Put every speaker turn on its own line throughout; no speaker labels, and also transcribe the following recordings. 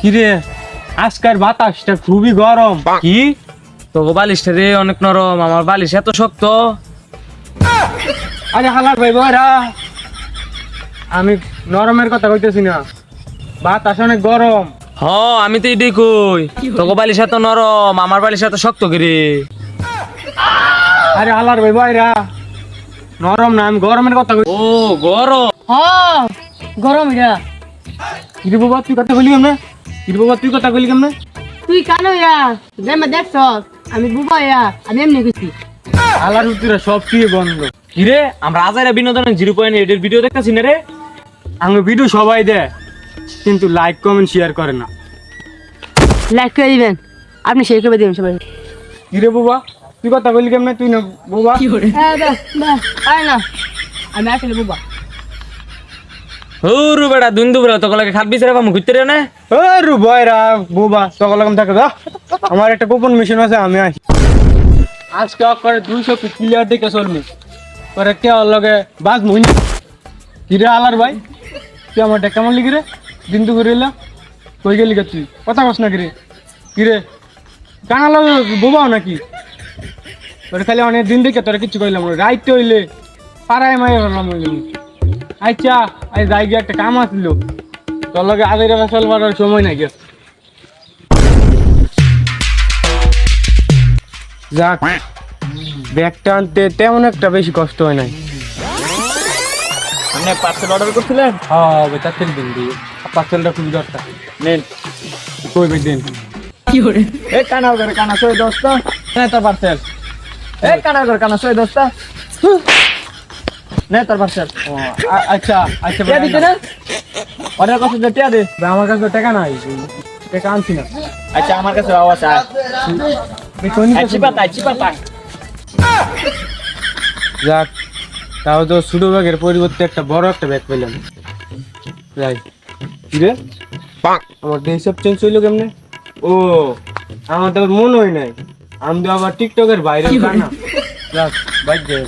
কিরে আজকের বাতাসটা খুবই গরম।
কি তো বালিশটা রে অনেক নরম, আমার বালিশ এত শক্ত।
আরে হালাক ভাই বয়রা, আমি নরমের কথা কইতেছি না, বাতাস অনেক গরম।
হ আমি তো এটাই কই, তোকে বালিশ এত নরম, আমার বালিশ এত শক্ত করে।
আরে হালার ভাই বয়রা, নরম না, আমি গরমের কথা কই।
ও গরম।
হ্যাঁ গরম এটা।
কিরে বাবা তুই কথা বলি কেমনে? কিরে বাবা তুই কথা বলি কেমনে?
তুই কানো ইয়া যেমন দেখছ আমি বুবা ইয়া আমি এমনি কইছি।
হালার উত্তরা সব কি বন্ধ।
কিরে আমরা আজাইরা বিনোদনের 0.8 এর ভিডিও দেখতেছি না রে।
আমি ভিডিও সবাই দেয়, কিন্তু লাইক কমেন্ট শেয়ার করে না।
লাইক করে দিবেন, আপনি শেয়ার করে দিবেন সবাই।
কিরে বাবা তুই কথা বলি কেমনে? তুই না বাবা।
হ্যাঁ বাহ বাহ আরে না আমি আসলে বুবা।
হুরু বেটা দুন্দু বেটা তোকে লাগে খাট বিছরে পামু ঘুরতে রে না।
রু বয়রা বাবা সকল রকম থাকে যা। আমার একটা গোপন মিশন আছে, আমি আসি আজকে করে 200 ক্লিয়ার দেখে চলমি পরে কে লগে বাজ মুই। কিরে আলার ভাই তুই আমারটা কেমন লিখি রে? দিন তো করে এলা কই গেলি গে? তুই কথা কস না কিরে? কিরে কানা বোবাও নাকি? তোর খালি অনেক দিন দেখে তোরা কিচ্ছু কইলাম না, রাইট হইলে পাড়ায় মাই হলাম। আচ্ছা আজ যাই গিয়ে একটা কাম আসলো, তোর লগে আগে চলবার সময় নাই গেছে। যাক ব্যাগটা আনতে তেমন একটা বেশি কষ্ট হয় নাই।
আপনি পার্সেল অর্ডার করছিলেন?
হ্যাঁ বেটা তেল দিন দিয়ে পার্সেলটা খুবই দরকার।
নেন।
কই বেগ দিন
এ কানা করে কানা সই দোস্ত নে তোর পার্সেল। এ কানা করে কানা সই দোস্ত নে তোর পার্সেল।
আচ্ছা আচ্ছা
টিয়া দিতে না অর্ডার করছিস যে টিয়া দে।
ভাই, আমার কাছে তো টাকা নাই, টাকা আনছি না।
আচ্ছা আমার কাছে আওয়াজ আয়। চিপাতা চিপাতা।
যাক তাও তো ছোট ব্যাগের পরিবর্তে একটা বড় একটা ব্যাগ পেলাম। যাই কিরে আমার হিসাব চেঞ্জ হইলো কেমনে? ও আমার তো আবার মনে হয় নাই, আমি তো আবার টিকটকের বাইরে না। যাক বাইক যাই।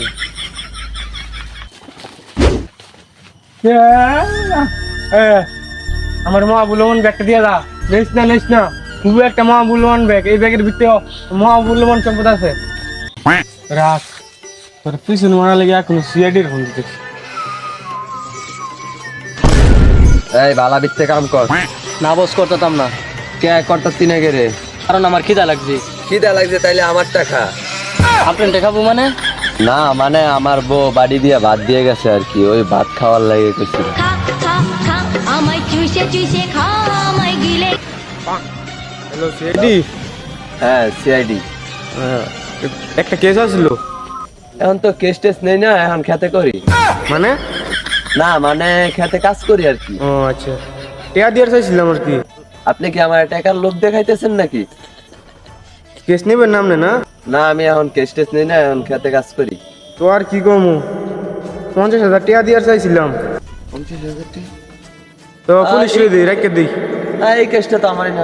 আমার মহামূল্যবান ব্যাগটা দিয়ে দা। নেস না খুবই একটা মহামূল্যবান ব্যাগ, এই ব্যাগের ভিতরে মহামূল্যবান সম্পদ আছে। রাখ তোর পিছনে মারা লেগে এখন সিআইডির ফোন দিতেছি।
এই বালা বিত্তে কাম কর।
না বস করতাম না,
কে করতে তিনে গেরে?
কারণ আমার খিদা লাগছে।
খিদা লাগছে তাইলে আমার টাকা।
আপনার দেখাবো মানে?
না মানে আমার বউ বাড়ি দিয়ে ভাত দিয়ে গেছে আর কি, ওই ভাত খাওয়ার লাগে কিছু।
খা খা খা আমায় চুষে চুষে খা আমায় গিলে।
Hello CID.
হ্যাঁ সিআইডি।
একটা কেস আসলো।
এখন তো কেস টেস নেই না, এখন খেতে করি।
মানে?
না মানে খেতে কাজ করি আর কি।
ও আচ্ছা টিয়া দিয়ে চাইছিলাম আর কি।
আপনি কি আমার টাকার লোভ দেখাইতেছেন নাকি?
কেস নেবেন নামনে না?
না আমি এখন কেস টেস নেই না, এখন খেতে কাজ করি।
তো আর কি কমু, 50,000 টিয়া দিয়ে চাইছিলাম।
50,000 টাকা?
তো পুলিশ দিই রেখে দিই।
না এই কেসটা তো আমারই না।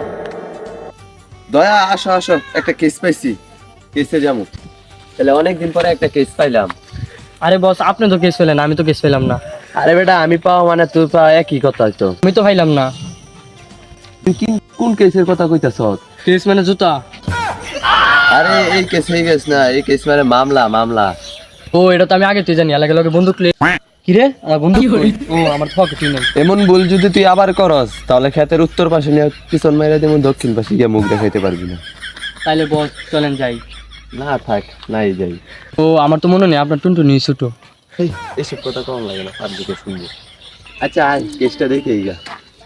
দয়া আসো আসো, একটা কেস পাইছি, কেসে যাবো। তাহলে অনেকদিন পরে একটা কেস পাইলাম।
আরে বস আপনি তো কেস পেলেন, আমি তো কেস পেলাম না।
আরে বেটা আমি পাওয়া মানে তুই পাওয়া একই কথা তো।
আমি তো পাইলাম না।
তুই কোন কেসের কথা কইতাছ?
কেস মানে জুতা।
আরে এই কেস এই কেস না, এই কেস মানে মামলা মামলা।
ও এটা তো আমি আগে তুই জানি, লাগে লগে বন্দুক লে। কি রে আমার বন্দুক কই? ও আমার পকেটে নেই।
এমন ভুল যদি তুই আবার করস তাহলে ক্ষেতের উত্তর পাশে নিয়ে পিছন মাইরা দেবো, দক্ষিণ পাশে গিয়ে মুখ দেখাইতে পারবি না।
তাইলে বস চলেন যাই।
না থাক নাই যাই।
ও আমার তো মনে নেই, আপনার টুনটুনি ছোট।
এই, এসব কথা কম লাগে না, আর দিকে শুনবো। আচ্ছা আয় কেসটা দেখে গা।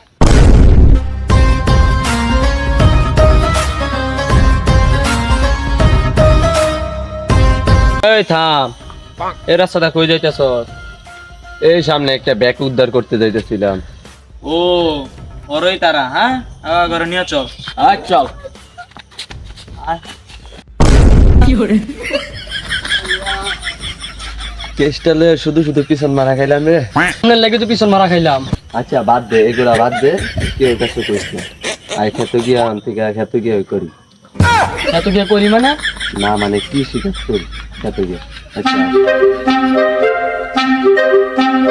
এই থাম, এই রাস্তাটা কই যাইতেছ?
এই সামনে একটা ব্যাগ উদ্ধার করতে যাইতেছিলাম।
ও ওরই তারা, হ্যাঁ ঘরে নিয়ে চল।
আচ্ছা কেসটা লয়ে শুধু শুধু পিছন মারা খাইলাম রে।
আপনার লাগে তো পিছন মারা খাইলাম।
আচ্ছা বাদ দে এগুলা বাদ দে, কেউ কাছে করিস না। আয় খেতে গিয়ে থেকে খেতে গিয়ে করি।
এত কি করি মানে?
না মানে কি শিকার করি খেতে গিয়ে। আচ্ছা